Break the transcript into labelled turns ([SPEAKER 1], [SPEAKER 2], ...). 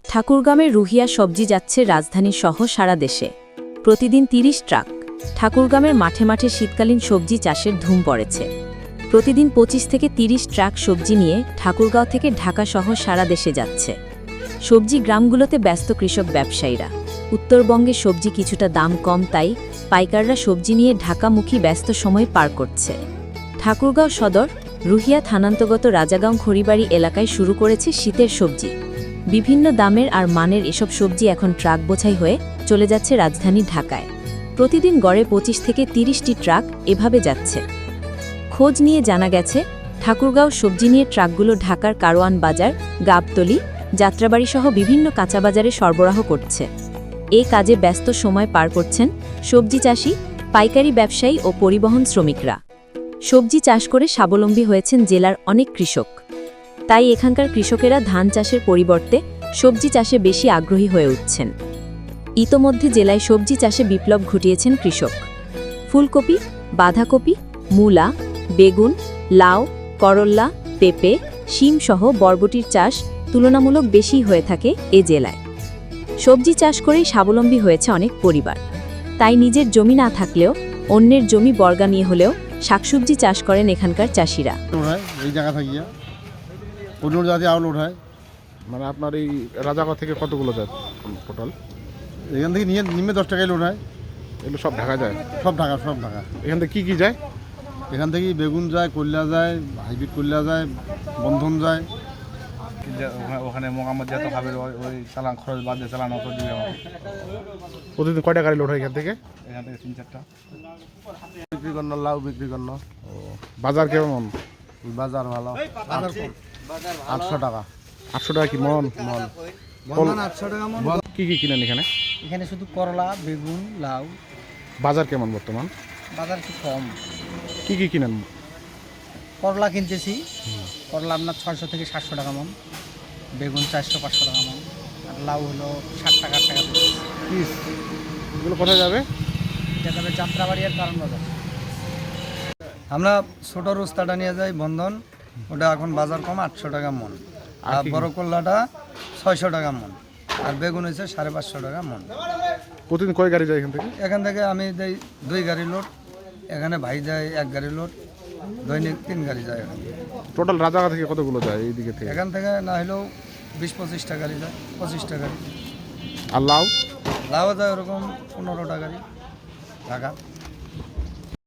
[SPEAKER 1] ঠাকুরগাঁওয়ের রুহিয়া সবজি যাচ্ছে রাজধানী সহ সারা দেশে। প্রতিদিন ৩০ ট্রাক। ঠাকুরগাঁওয়ের মাঠে মাঠে শীতকালীন সবজি চাষের ধুম পড়েছে। প্রতিদিন ২৫ থেকে ৩০ ট্রাক সবজি নিয়ে ঠাকুরগাঁও থেকে ঢাকা সহ সারা দেশে যাচ্ছে। সবজি গ্রামগুলোতে ব্যস্ত কৃষক ব্যবসায়ীরা। উত্তরবঙ্গে সবজি কিছুটা দাম কম, তাই পাইকাররা সবজি নিয়ে ঢাকামুখী ব্যস্ত সময় পার করছে। ঠাকুরগাঁও সদর রুহিয়া থানান্তর্গত রাজাগাঁও খড়িবাড়ি এলাকায় শুরু করেছে শীতের সবজি। বিভিন্ন দামের আর মানের এসব সবজি এখন ট্রাক বোঝাই হয়ে চলে যাচ্ছে রাজধানী ঢাকায়। প্রতিদিন গড়ে ২৫ থেকে ৩০টি ট্রাক এভাবে যাচ্ছে। খোঁজ নিয়ে জানা গেছে, ঠাকুরগাঁও সবজি নিয়ে ট্রাকগুলো ঢাকার কারওয়ান বাজার, গাবতলী, যাত্রাবাড়িসহ বিভিন্ন কাঁচাবাজারে সরবরাহ করছে। এ কাজে ব্যস্ত সময় পার করছেন সবজি চাষি, পাইকারি ব্যবসায়ী ও পরিবহন শ্রমিকরা। সবজি চাষ করে স্বাবলম্বী হয়েছেন জেলার অনেক কৃষক। তাই এখানকার কৃষকেরা ধান চাষের পরিবর্তে সবজি চাষে বেশি আগ্রহী হয়ে উঠছেন। ইতোমধ্যে জেলায় সবজি চাষে বিপ্লব ঘটিয়েছেন কৃষক। ফুলকপি, বাঁধাকপি, মূলা, বেগুন, লাউ, করল্লা, পেঁপে, শিমসহ বরবটির চাষ তুলনামূলক বেশি হয়ে থাকে এ জেলায়। সবজি চাষ করেই স্বাবলম্বী হয়েছে অনেক পরিবার। তাই নিজের জমি না থাকলেও অন্যের জমি বর্গা নিয়ে হলেও শাকসবজি চাষ করেন এখানকার চাষিরা।
[SPEAKER 2] এই জায়গা থাকিয়া অন্য জাতি আউল ওঠায়।
[SPEAKER 3] মানে আপনার এই রাজাগাঁও থেকে কতগুলো যায় টোটাল?
[SPEAKER 2] এখান থেকে নিয়ে নিমে 10 টাকায় লোড হয়।
[SPEAKER 3] এগুলো সব ঢাকা যায়?
[SPEAKER 2] সব ঢাকা, সব ঢাকা।
[SPEAKER 3] এখান থেকে কী যায়?
[SPEAKER 2] এখান থেকে বেগুন যায়, কল্যা যায়, হাইব্রিড কল্যা যায়, বন্ধন যায়।
[SPEAKER 4] ওখানে মোকাম্মদ যত খাবে ওই চালান খরচ বাদ দিয়ে চালান অত দিবে আমাকে।
[SPEAKER 3] প্রতিদিন কয়টা গাড়ি লোড হয় এখান থেকে?
[SPEAKER 4] এখান থেকে ৩-৪টা
[SPEAKER 2] বিক্রি করল, লাউ বিক্রি করল।
[SPEAKER 3] বাজার কেমন?
[SPEAKER 2] বাজার ভালো। 800 টাকা।
[SPEAKER 3] 800 টাকা কি মন?
[SPEAKER 2] মন 800 টাকা মন।
[SPEAKER 3] কী কী কিনেন এখানে?
[SPEAKER 5] এখানে শুধু করলা, বেগুন, লাউ।
[SPEAKER 3] বাজার কেমন বর্তমান?
[SPEAKER 5] বাজার একটু কম।
[SPEAKER 3] কী কী কিনেন?
[SPEAKER 5] করলা কিনতেছি, করলা আপনার 600 থেকে 700 টাকা মন, বেগুন 400-500 টাকা মন, আর লাউ হলো 60 টাকা 8 টাকা পিস।
[SPEAKER 3] এগুলো কোথায় যাবে?
[SPEAKER 5] এটা তবে যাত্রাবাড়ি আর কারণ বাজার। আমরা ছোট রোস্তাটা নিয়ে যাই বন্ধন, ওটা এখন বাজার কম 800 টাকা মন। আর বড় করলাটা 600 টাকা মন, আর বেগুন হয়েছে 550 টাকা মন।
[SPEAKER 3] প্রতিদিন কয় গাড়ি যায় এখান থেকে?
[SPEAKER 5] এখান থেকে আমি দেই 2 গাড়ি লোড, এখানে ভাই যায় 1 গাড়ি লোড, দৈনিক 3 গাড়ি যায়। এখানে
[SPEAKER 3] টোটাল রাজাগাঁও থেকে কতগুলো যায় এই দিকে থেকে?
[SPEAKER 5] এখান থেকে না হলেও 20-25টা গাড়ি যায়, 25টা গাড়ি।
[SPEAKER 3] আর লাউ?
[SPEAKER 5] লাউ যায় ওরকম 15টা গাড়ি ঢাকা।